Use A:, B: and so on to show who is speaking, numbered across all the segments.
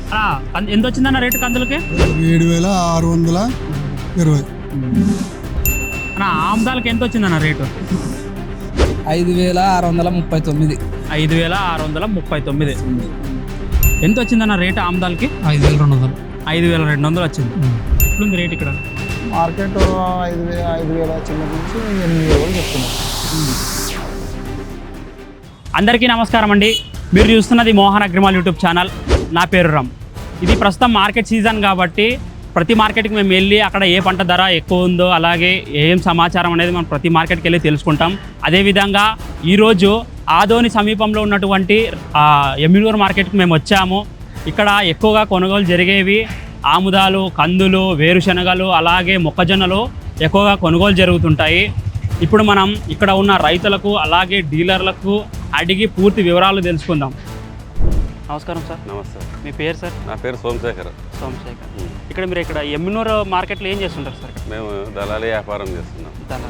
A: ఎంత వచ్చిందన్న రేటు కందులకి?
B: 7,620.
A: ఆముదాలకి ఎంత వచ్చిందన్న రేటు?
C: 5,639.
A: 5,639. ఎంత వచ్చిందన్న రేటు ఆముదాలకి?
C: 5,200.
A: 5,200 వచ్చింది. ఎట్లుంది రేట్ ఇక్కడ?
B: మార్కెట్ 5,000 చిన్న నుంచి 8,000 చెప్తున్నాం.
A: అందరికీ నమస్కారం అండి. మీరు చూస్తున్నది మోహన్ అగ్రిమాల్ యూట్యూబ్ ఛానల్. నా పేరు రామ్. ఇది ప్రస్తుతం మార్కెట్ సీజన్ కాబట్టి ప్రతి మార్కెట్కి మేము వెళ్ళి అక్కడ ఏ పంట ధర ఎక్కువ ఉందో అలాగే ఏం సమాచారం అనేది మనం ప్రతి మార్కెట్కి వెళ్ళి తెలుసుకుంటాం. అదేవిధంగా ఈరోజు ఆదోని సమీపంలో ఉన్నటువంటి ఎమ్మిగనూరు మార్కెట్కి మేము వచ్చాము. ఇక్కడ ఎక్కువగా కొనుగోలు జరిగేవి ఆముదాలు, కందులు, వేరుశనగలు అలాగే మొక్కజొన్నలు ఎక్కువగా కొనుగోలు జరుగుతుంటాయి. ఇప్పుడు మనం ఇక్కడ ఉన్న రైతులకు అలాగే డీలర్లకు అడిగి పూర్తి వివరాలు తెలుసుకుందాం. నమస్కారం సార్.
D: నమస్తే.
A: మీ పేరు సార్?
D: నా పేరు సోమశేఖర్.
A: ఇక్కడ మీరు ఇక్కడ ఎమ్మిగనూరు మార్కెట్లో ఏం చేస్తుంటారు సార్?
D: మేము దళారీ వ్యాపారం చేస్తున్నాం.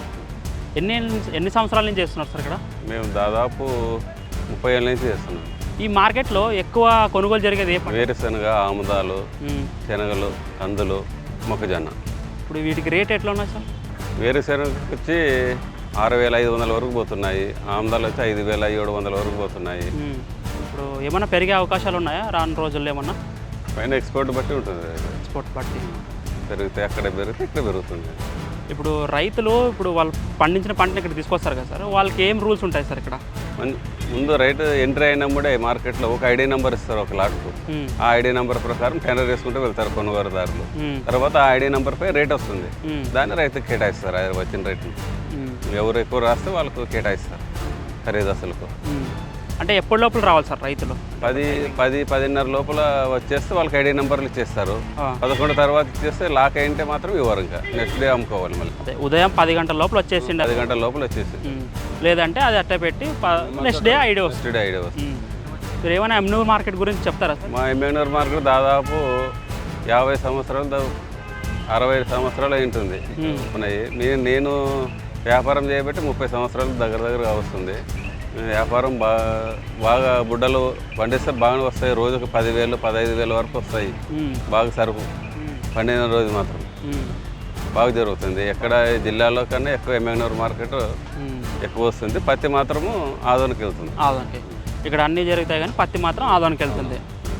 A: ఎన్ని సంవత్సరాల నుంచి చేస్తున్నారు సార్ ఇక్కడ?
D: మేము దాదాపు 30 ఏళ్ళ నుంచి చేస్తున్నాం.
A: ఈ మార్కెట్లో ఎక్కువ కొనుగోలు జరిగేది ఏ పంట?
D: వేరుశనగ, ఆముదాలు, శనగలు, కందులు, మొక్కజొన్న.
A: ఇప్పుడు వీటికి రేట్ ఎట్లా ఉన్నాయి సార్?
D: వేరుశనగకి వచ్చి 6,500 వరకు పోతున్నాయి. ఆముదాలు వచ్చి 5,700 వరకు పోతున్నాయి.
A: ఇప్పుడు ఏమన్నా పెరిగే అవకాశాలు ఉన్నాయా రాను రోజుల్లో? ఏమన్నా
D: పైన ఎక్స్పోర్ట్ బట్టి ఉంటుంది.
A: ఎక్స్పోర్ట్ బట్టి
D: పెరిగితే అక్కడ పెరిగితే ఇక్కడ పెరుగుతుంది.
A: ఇప్పుడు రైతులు ఇప్పుడు వాళ్ళు పండించిన పంటని ఇక్కడ తీసుకొస్తారు కదా సార్, వాళ్ళకి ఏం రూల్స్ ఉంటాయి సార్ ఇక్కడ?
D: ముందు రైతు ఎంట్రీ అయినప్పుడే మార్కెట్లో ఒక ఐడి నెంబర్ ఇస్తారు ఒక లాట్కు. ఆ ఐడి నెంబర్ ప్రకారం టెండర్ వేసుకుంటూ వెళ్తారు కొనుగోలుదారులు. తర్వాత ఆ ఐడి నెంబర్ పై రేట్ వస్తుంది, దాన్ని రైతుకి కేటాయిస్తారు. అది వచ్చిన రేటుని ఎవరు ఎక్కువ రాస్తే వాళ్ళకు కేటాయిస్తారు ఖరీదు అసలుకు.
A: అంటే ఎప్పటి లోపల రావాలి సార్ రైతులు?
D: 10-10:30 లోపల వచ్చేస్తే వాళ్ళకి ఐడి నెంబర్లు ఇచ్చేస్తారు. 11 తర్వాత ఇచ్చేస్తే లాక్ అయింటే మాత్రం ఇవ్వరు. ఇంకా నెక్స్ట్ డే అమ్ముకోవాలి మళ్ళీ.
A: అదే ఉదయం 10 గంటల లోపల వచ్చేసింది.
D: 10 గంటల లోపల వచ్చేసి
A: లేదంటే అది అట్ట పెట్టి నెక్స్ట్ డే ఐడి వస్తుంది. మీరు ఏమైనా ఎమ్మిగనూరు మార్కెట్ గురించి చెప్తారా సార్?
D: మా ఎమ్మిగనూరు మార్కెట్ దాదాపు 50 సంవత్సరాలు 60 సంవత్సరాలు ఉంటుంది ఉన్నాయి. నేను వ్యాపారం చేయబట్టి 30 సంవత్సరాలు దగ్గరగా వస్తుంది. వ్యాపారం బాగా బుడ్డలు పండిస్తే బాగానే వస్తాయి. రోజుకు 10,000 15,000 వరకు వస్తాయి. బాగా సరుకు పండిన రోజు మాత్రం బాగా జరుగుతుంది. ఎక్కడ జిల్లాలో కన్నా ఎక్కువ ఎమ్మిగనూరు మార్కెట్ ఎక్కువ వస్తుంది. పత్తి మాత్రము ఆదోనికి వెళ్తుంది.
A: ఆదోనికి ఇక్కడ అన్నీ జరుగుతాయి కానీ పత్తి మాత్రం ఆదోనికి వెళ్తుంది.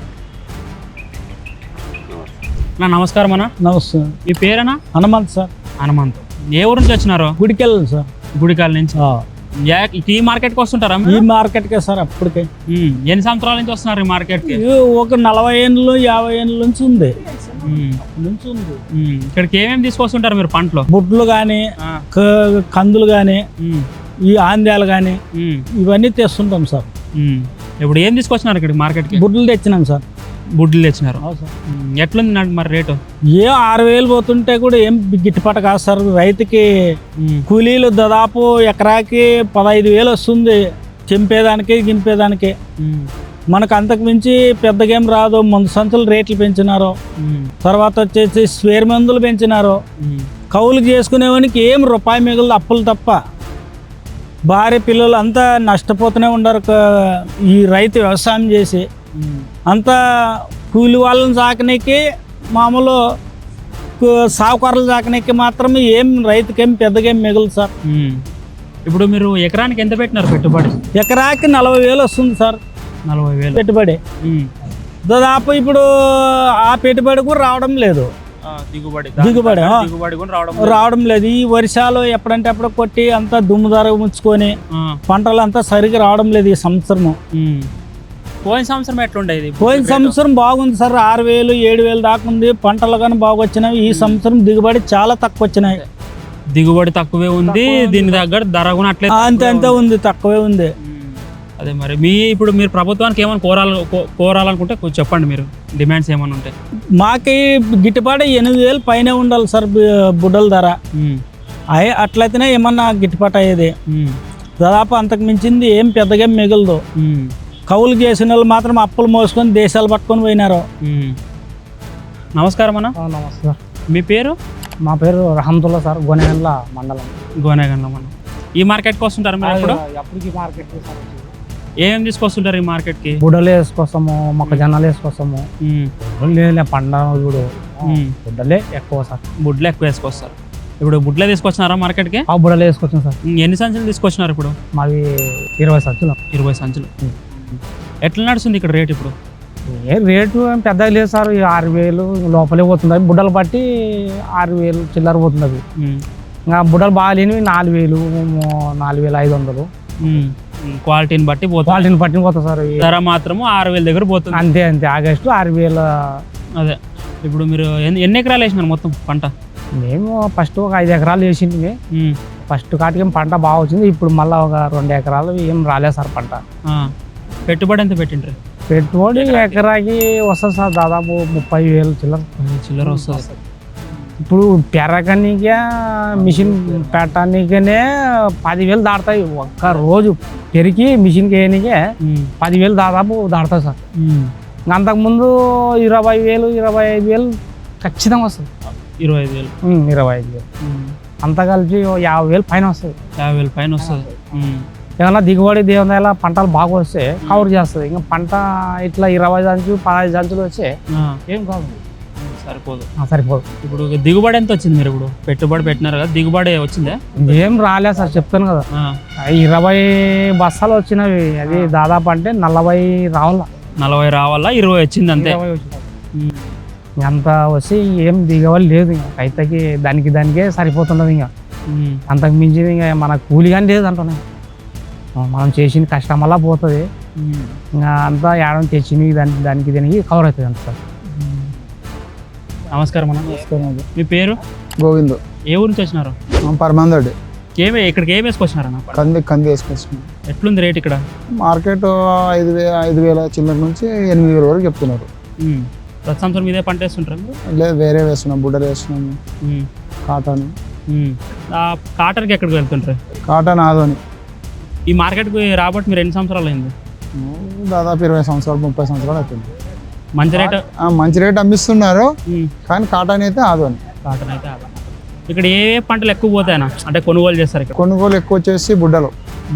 A: నమస్కారం అన్న.
C: నమస్తే.
A: మీ పేరేనా?
C: హనుమంత్ సార్.
A: హనుమంత్. ఏ ఊరు నుంచి వచ్చినారు?
C: గుడికెళ్ళ సార్.
A: గుడికాల నుంచి. ఈ మార్కెట్కి వస్తుంటారా?
C: ఈ మార్కెట్కే సార్. అప్పటికే
A: ఎన్ని సంవత్సరాల నుంచి వస్తున్నారు ఈ మార్కెట్కి?
C: ఒక 40 ఏళ్ళు 50 ఏళ్ళ నుంచి ఉంది.
A: ఇక్కడికి ఏమేమి తీసుకొస్తుంటారు మీరు పంటలు?
C: బుడ్లు కానీ, కందులు కానీ, ఈ ఆంద్యాలు కానీ ఇవన్నీ తెస్తుంటాం సార్.
A: ఇప్పుడు ఏం తీసుకొచ్చినారు ఇక్కడ మార్కెట్కి?
C: బుడ్లు తెచ్చినాం సార్.
A: బుడ్లు తెచ్చినారు. ఎట్లుంది మరి రేటు?
C: 6,000 పోతుంటే కూడా ఏం గిట్టుబాటు కాదు సార్. రైతుకి కూలీలు దాదాపు ఎకరాకి 15,000 వస్తుంది చెంపేదానికి గింపేదానికి. మనకు అంతకు మించి పెద్దగేం రాదు. మందు సంచులు రేట్లు పెంచినారు. తర్వాత వచ్చేసి స్వేర్ మందులు పెంచినారు. కౌలు చేసుకునేవానికి ఏం రూపాయి మిగులు అప్పులు తప్ప. భార్య పిల్లలు అంతా నష్టపోతూనే ఉండరు ఈ రైతు వ్యవసాయం చేసి. అంతా కూలి వాళ్ళని సాకనీకి, మామూలు సావుకారులు సాకనీకి మాత్రమే ఏం రైతుకేం పెద్దగేం మిగులు సార్.
A: ఇప్పుడు మీరు ఎకరానికి ఎంత పెట్టినారు పెట్టుబడి?
C: ఎకరాకి 40,000 వస్తుంది సార్.
A: 40,000
C: పెట్టుబడి. దాదాపు ఇప్పుడు ఆ పెట్టుబడి కూడా రావడం లేదు. దిగుబడి రావడం లేదు. ఈ వర్షాలు ఎప్పుడంటే అప్పుడు కొట్టి అంతా దుమ్ము ధర ముంచుకొని పంటలు అంతా సరిగ్గా రావడం లేదు ఈ సంవత్సరము.
A: పోయిన సంవత్సరం ఎట్లుండేది?
C: పోయిన సంవత్సరం బాగుంది సార్. 6,000 7,000 దాకా ఉంది. పంటలు కానీ బాగా వచ్చినాయి. ఈ సంవత్సరం దిగుబడి చాలా తక్కువ వచ్చినాయి.
A: దిగుబడి తక్కువే ఉంది. దీని దగ్గర ధర కూడా అట్లే
C: అంతే ఉంది, తక్కువే ఉంది.
A: అదే మరి ఇప్పుడు మీరు ప్రభుత్వానికి ఏమైనా కోరాలనుకుంటే కొంచెం చెప్పండి. మీరు డిమాండ్స్ ఏమైనా ఉంటాయి?
C: మాకి గిట్టుబాటు 8,000 పైన ఉండాలి సార్ బుడ్డల ధర. అట్లయితేనే ఏమన్నా గిట్టుబాటు అయ్యేది. దాదాపు అంతకు మించింది ఏం పెద్దగా మిగలదు. కౌలు చేసిన వాళ్ళు మాత్రం అప్పులు మోసుకొని దేశాలు పట్టుకొని పోయినారు.
A: నమస్కారం అన్న.
C: నమస్కారం.
A: మీ పేరు?
C: మా పేరు రహమతుల్లా సార్. గోనేగండ్ల మండలం.
A: ఈ మార్కెట్కి వస్తుంటారు మీరు?
C: ఎప్పటికీ మార్కెట్
A: ఏమేమి తీసుకొస్తుంటారు ఈ మార్కెట్కి?
C: బుడలు వేసుకొస్తాము, మొక్కజొన్నలు వేసుకొస్తాము, లేదు పండుగ చూడు బుడ్డలే ఎక్కువ సార్.
A: బుడ్లు ఎక్కువ వేసుకొస్తారు. ఇప్పుడు బుడ్లే తీసుకొచ్చినారా మార్కెట్కి?
C: ఆ బుడ్డలు వేసుకొచ్చాం సార్.
A: ఎన్ని సంచులు తీసుకొచ్చినారు ఇప్పుడు?
C: మాది 20 సంచులు.
A: 20 సంచులు. ఎట్లా నడుస్తుంది ఇక్కడ రేట్ ఇప్పుడు?
C: ఏ రేటు ఏం పెద్దగా లేదు సార్. 6,000 లోపలే పోతుంది. బుడ్డలు బట్టి 6,000 చిల్లర పోతుంది అవి. ఇంకా బుడ్డలు బాగా లేనివి 4,000, 4,500.
A: క్వాలిటీని బట్టి పోతుంది.
C: క్వాలిటీని బట్టి పోతుంది సార్.
A: ధర మాత్రము 6,000 దగ్గర పోతుంది.
C: అంతే అంతే. ఆగస్టు 6,000.
A: అదే ఇప్పుడు మీరు ఎన్ని ఎకరాలు వేసినారు మొత్తం పంట?
C: మేము ఫస్ట్ ఒక 5 ఎకరాలు వేసింది. ఫస్ట్ కాటికి పంట బాగా వచ్చింది. ఇప్పుడు మళ్ళీ ఒక 2 ఎకరాలు ఏం రాలేదు సార్ పంట.
A: పెట్టుబడి ఎంత పెట్టిండ్రు?
C: పెట్టుబడి ఎకరాకి వస్తుంది సార్ దాదాపు 30,000
A: చిల్లర వస్తుంది.
C: ఇప్పుడు పెరగనికే మిషన్ పెట్టడానికనే 10,000 దాడతాయి. ఒక్క రోజు పెరిగి మిషన్కి వేయనికే 10,000 దాదాపు దాడతాయి సార్. అంతకుముందు 20,000, 25,000 ఖచ్చితంగా వస్తుంది.
A: 25,000,
C: 25,000 అంతా కలిపి 50,000 పైన వస్తుంది.
A: 50,000 పైన వస్తుంది.
C: ఏమన్నా దిగుబడి దేవుని పంటలు బాగా వస్తే కవర్ చేస్తుంది. ఇంకా పంట ఇట్లా 20 సంచులు 15 సంచులు వచ్చే ఏం కాదు,
A: సరిపోదు.
C: సరిపోదు.
A: ఇప్పుడు దిగుబడి ఎంత వచ్చింది? మీరు ఇప్పుడు పెట్టుబడి పెట్టినారు కదా, దిగుబడి వచ్చిందే?
C: ఏం రాలేదు సార్, చెప్తాను కదా. 20 బస్తాలు వచ్చినవి. అది దాదాపు అంటే 40 రావాలా.
A: 40 రావాలా, 20 వచ్చింది అంతే.
C: అంత వచ్చి ఏం దిగవాలి లేదు. ఇంకా రైతుకి దానికే సరిపోతున్నది. ఇంకా అంతకు మించింది ఇంకా మన కూలి కానీ లేదు అంటున్నాయి. మనం చేసిన కష్టం వల్ల పోతుంది. ఇంకా అంతా ఏడాది తెచ్చింది దానికి కవర్ అవుతుంది అంత సార్.
A: నమస్కారం అన్న. మీ పేరు?
B: గోవింద్.
A: ఏ ఊరు నుంచి వచ్చినారు?
B: పరమాందోడి.
A: ఇక్కడికి ఏం వేసుకొచ్చినారన్న?
B: కంది వేసుకొచ్చినాం.
A: ఎట్లుంది రేట్ ఇక్కడ?
B: మార్కెట్ 5,000 చిల్లర నుంచి 8,000 వరకు చెప్తున్నారు.
A: ప్రతి సంవత్సరం ఇదే పంట వేస్తుంటారు?
B: లేదు, వేరే వేస్తున్నాం. బుడ్డలు వేస్తున్నాము. కాటన్.
A: కాటన్కి ఎక్కడికి వెళ్తుంటారు?
B: కాటన్ ఆదోని.
A: ఈ మార్కెట్కి రాబట్టి మీరు ఎన్ని సంవత్సరాలు అయింది?
B: దాదాపు 20 సంవత్సరాలు 30 సంవత్సరాలు అవుతుంది.
A: మంచి రేట్
B: అమ్మిస్తున్నారు. కానీ కాటన్ అయితే ఆదోని.
A: కాటన్ అయితే ఇక్కడ ఏ పంటలు ఎక్కువ పోతాయనా? అంటే కొనుగోలు చేస్తారు ఇక్కడ?
B: కొనుగోలు ఎక్కువ వచ్చేసి బుడ్డలు,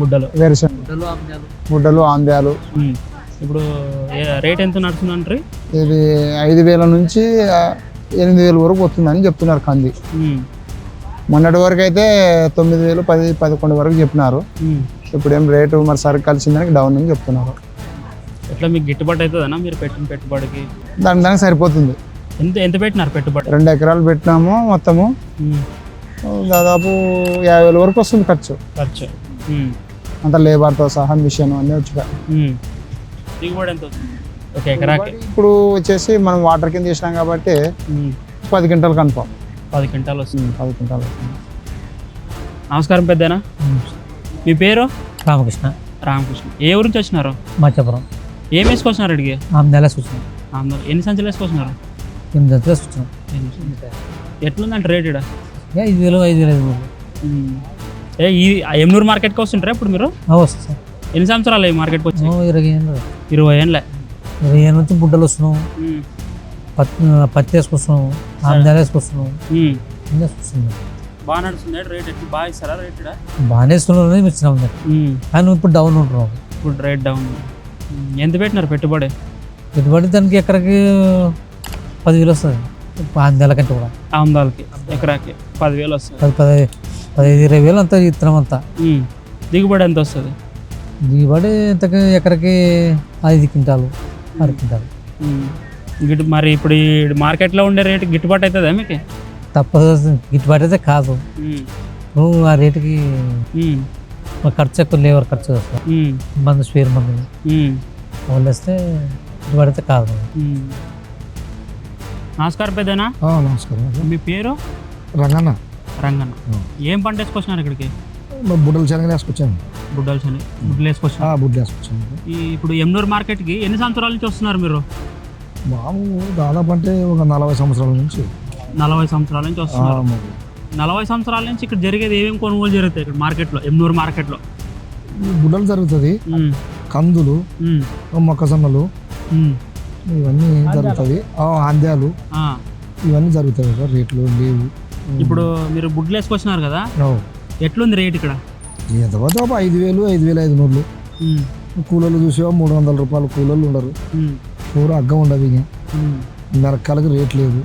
B: బుడ్డలు, ఆంబ్యాలు.
A: ఇప్పుడు రేట్ ఎంత నడుస్తుందంటారు?
B: ఇది 5,000 నుంచి 8,000 వరకు వస్తుందని చెప్తున్నారు కంది. మొన్నటి వరకు అయితే 9,000, 10, 11 వరకు చెప్పినారు. ఇప్పుడు ఏం రేటు మరి సరుకు కలిసిందానికి డౌన్ అని చెప్తున్నారు.
A: ఎట్లా మీకు గిట్టుబాటు అవుతుందన్నా మీరు పెట్టిన పెట్టుబడికి?
B: దానికి సరిపోతుంది.
A: ఎంత పెట్టినారు పెట్టుబడి?
B: 2 ఎకరాలు పెట్టినాము. మొత్తము దాదాపు 50,000 వరకు వస్తుంది ఖర్చు. అంత లేబర్తో సహా మిషన్ అన్నీ వచ్చాయి.
A: దిగుబడి ఎంత వస్తుంది ఒక ఎకరాకి?
B: ఇప్పుడు వచ్చేసి మనం వాటర్ కింద చేసినాం కాబట్టి 10 క్వింటాలు కన్ఫామ్.
A: 10 క్వింటాలు వస్తుంది.
B: 10 క్వింటాలు వస్తుంది.
A: నమస్కారం పెద్దనా. మీ పేరు?
C: రామకృష్ణ.
A: ఏ ఊరు నుంచి వచ్చినారు?
C: మధ్యపురం.
A: ఏం వేసుకొచ్చినారు అడిగి? ఎన్ని సంచులు వేసుకొచ్చినారు?
C: 8 సంచులు వేసుకొచ్చినాం.
A: ఎట్లుందంటే రేట్ ఇక్కడ?
C: 5,000.
A: ఎమ్నూరు మార్కెట్కి వస్తుంటారా ఇప్పుడు మీరు?
C: వస్తుంది సార్.
A: ఎన్ని సంవత్సరాలు ఈ మార్కెట్కి వచ్చి?
C: 20 ఏళ్ళు.
A: 20 ఏళ్ళే.
C: 20 ఏళ్ళ నుంచి బుడ్డలు వస్తున్నాం. పత్తి వేసుకొస్తున్నాం. ఆంధ్యాలు వేసుకొస్తున్నాం.
A: బాగా నడుస్తుంది రేట్? ఎట్లా బాగా ఇస్తారా రేట్?
C: బాగానే ఇస్తున్నాం. ఇచ్చినాం కానీ ఇప్పుడు డౌన్ ఉంటున్నాం.
A: ఇప్పుడు రేట్ డౌన్. ఎంత పెట్టినారు పెట్టుబడి?
C: దానికి ఎకరాకి 10,000 వస్తుంది. ఆంధ్యాల కంటే కూడా.
A: ఆంధ్యాలకి ఎకరాకి 10,000 వస్తుంది.
C: 15-20,000 అంతా ఇత్తనం అంతా.
A: దిగుబడి ఎంత వస్తుంది?
C: దిగుబడి ఎంతకి ఎకరాకి 5 క్వింటాలు 6 క్వింటాలు.
A: మరి ఇప్పుడు ఈ మార్కెట్లో ఉండే రేటు గిట్టుబాటు అవుతుందా మీకు?
C: తప్పదు, గిట్టుబాటు అయితే కాదు. ఆ రేటుకి ఖర్చు ఎక్కువ, లేబర్ ఖర్చు వస్తుంది. మందు స్పేర్ మందు వాళ్ళు వేస్తే గిట్టుబాటు అయితే కాదు.
A: నమస్కారం పెద్దనా.
B: నమస్కారం.
A: మీ పేరు?
B: రంగన్న.
A: ఏం పంట వేసుకొచ్చినారు ఇక్కడికి?
B: బుడ్డలు శనగలు వేసుకొచ్చాను.
A: బుడ్డలు వేసుకొచ్చాను. ఇప్పుడు ఎమ్నూరు మార్కెట్కి ఎన్ని సంవత్సరాల నుంచి వస్తున్నారు మీరు?
B: దాదాపు అంటే ఒక 40 సంవత్సరాల నుంచి.
A: 40 సంవత్సరాల నుంచి వస్తున్నారు. 40 సంవత్సరాల నుంచి ఇక్కడ జరిగేది ఏమేమి కొనుగోలు జరుగుతాయి ఇక్కడ మార్కెట్లో, ఎమ్నూరు మార్కెట్లో?
B: బుడ్డలు జరుగుతుంది, కందులు, మొక్కజొన్నలు ఇవన్నీ జరుగుతుంది. ఆంధ్యాలు ఇవన్నీ జరుగుతాయి. రేట్లు లేవు.
A: ఇప్పుడు మీరు బుడ్లు వేసుకొచ్చినారు కదా, ఎట్లుంది రేట్ ఇక్కడ?
B: ఎంతవరకు 5,000, 5,500. కూలీలు చూసేవా 300 రూపాయలు కూలీలు ఉండరు. కూర అగ్గం ఉండదు. ఇక మిరకాయలకు రేట్ లేదు.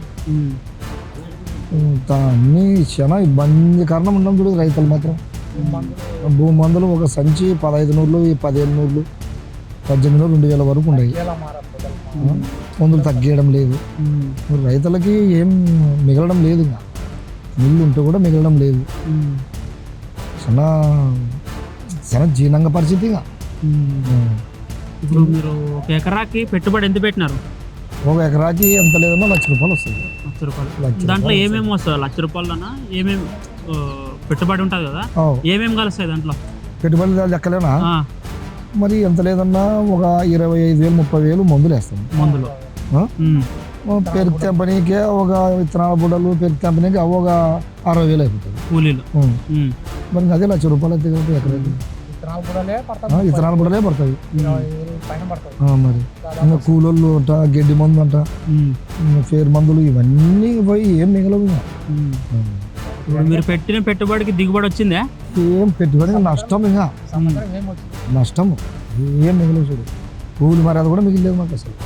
B: అన్నీ చాలా ఇబ్బందికరంగా ఉండడం చూడు రైతులు మాత్రం. భూమి మందులు ఒక సంచి 1500, 1500, 1800, 2000 వరకు ఉన్నాయి. మందులు తగ్గేయడం లేదు. రైతులకి ఏం మిగలడం లేదు. ఇంకా నీళ్ళు ఉంటే కూడా మిగలడం లేదు. చాలా చాలా జీర్ణంగా పరిస్థితి. ఇంకా
A: ఇప్పుడు మీరు ఒక ఎకరాకి పెట్టుబడి ఎంత పెట్టినారు?
B: ఒక ఎకరాకి ఎంత లేదన్నా ₹1,00,000 వస్తుంది.
A: ₹1,00,000. దాంట్లో ఏమేమి వస్తుంది? ₹1,00,000 ఏమేమి పెట్టుబడి ఉంటుంది కదా, ఏమేమి కలుస్తాయి దాంట్లో?
B: పెట్టుబడి లెక్కలేనా? మరి ఎంత లేదన్నా ఒక 25,000, 30,000 మందులు వేస్తాం.
A: మందులు
B: పెరుగు తెంపనీకే ఒక విత్తనాల బుడ్డలు, పెరుగు తెంపనీకి ఒక 60,000 అయిపోతుంది
A: కూలీలు.
B: మరి అదే ₹1,00,000 అయితే ఎకరాకి విత్తనాలు బుడలే పడతాయి. మరి ఇంకా కూలోళ్ళు అంట, గడ్డి మందు అంట, ఫేర్ మందులు ఇవన్నీ పోయి ఏం మిగలవు.
A: ఇప్పుడు మీరు పెట్టిన పెట్టుబడికి దిగుబడి వచ్చిందే?
B: ఏం పెట్టుబడి నష్టం. ఇంకా నష్టం ఏం మిగలవు చూడు. కూలి మరి అది కూడా మిగిలేదు మాకు అసలు.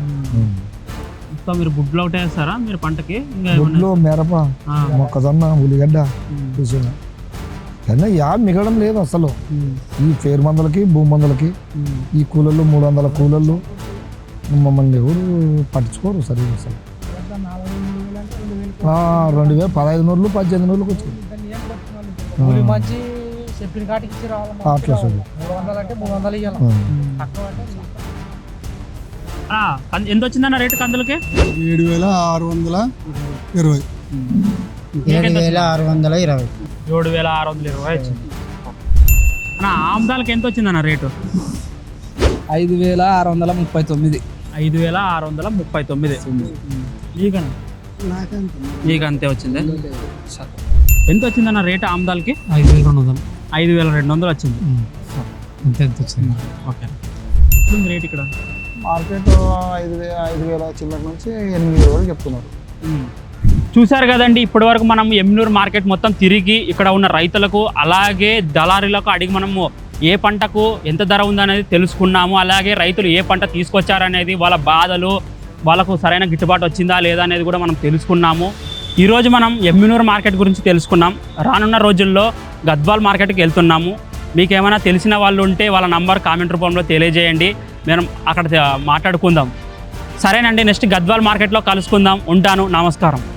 A: మీరు బుడ్లు ఒకటే వేస్తారా మీరు పంటకి?
B: బుడ్లు, మిరప, మొక్కజొన్న, ఉల్లిగడ్డ చూసిన కానీ మిగలడం లేదు అసలు. ఈ ఫేర్ మందులకి, భూమి మందులకి, ఈ కూలర్లు 300 కూలర్లు మమ్మల్ని ఎవరు పట్టించుకోరు సరిగ్గా అసలు. 2,000, 1,500, 1,800 వచ్చింది అట్లా సార్.
A: ఎంత వచ్చిందన్న రేటు కందులకి?
B: 7,620.
C: 7,620.
A: 7,620 వచ్చింది. అన్న ఆముదాలకి ఎంత వచ్చిందన్న రేటు?
C: 5,639.
A: 5,639. మీకు అంతే వచ్చింది. ఎంత వచ్చిందన్న రేటు ఆముదాలకి?
C: 5,200.
A: 5,200 వచ్చింది.
C: ఎంత వచ్చింది?
A: ఓకే. రేట్ ఇక్కడ
B: మార్కెట్ 5,000 చిల్లర నుంచి 8,000 వరకు చెప్తున్నారు.
A: చూశారు కదండి, ఇప్పటి వరకు మనం ఎమ్మినూరు మార్కెట్ మొత్తం తిరిగి ఇక్కడ ఉన్న రైతులకు అలాగే దళారీలకు అడిగి మనము ఏ పంటకు ఎంత ధర ఉందనేది తెలుసుకున్నాము. అలాగే రైతులు ఏ పంట తీసుకొచ్చారనేది, వాళ్ళ బాధలు, వాళ్ళకు సరైన గిట్టుబాటు వచ్చిందా లేదా అనేది కూడా మనం తెలుసుకున్నాము. ఈరోజు మనం ఎమ్మినూరు మార్కెట్ గురించి తెలుసుకున్నాం. రానున్న రోజుల్లో గద్వాల్ మార్కెట్కి వెళ్తున్నాము. మీకు ఏమైనా తెలిసిన వాళ్ళు ఉంటే వాళ్ళ నంబర్ కామెంట్ రూపంలో తెలియజేయండి, మనం అక్కడ మాట్లాడుకుందాం. సరేనండి, నెక్స్ట్ గద్వాల్ మార్కెట్లో కలుసుకుందాం. ఉంటాను. నమస్కారం.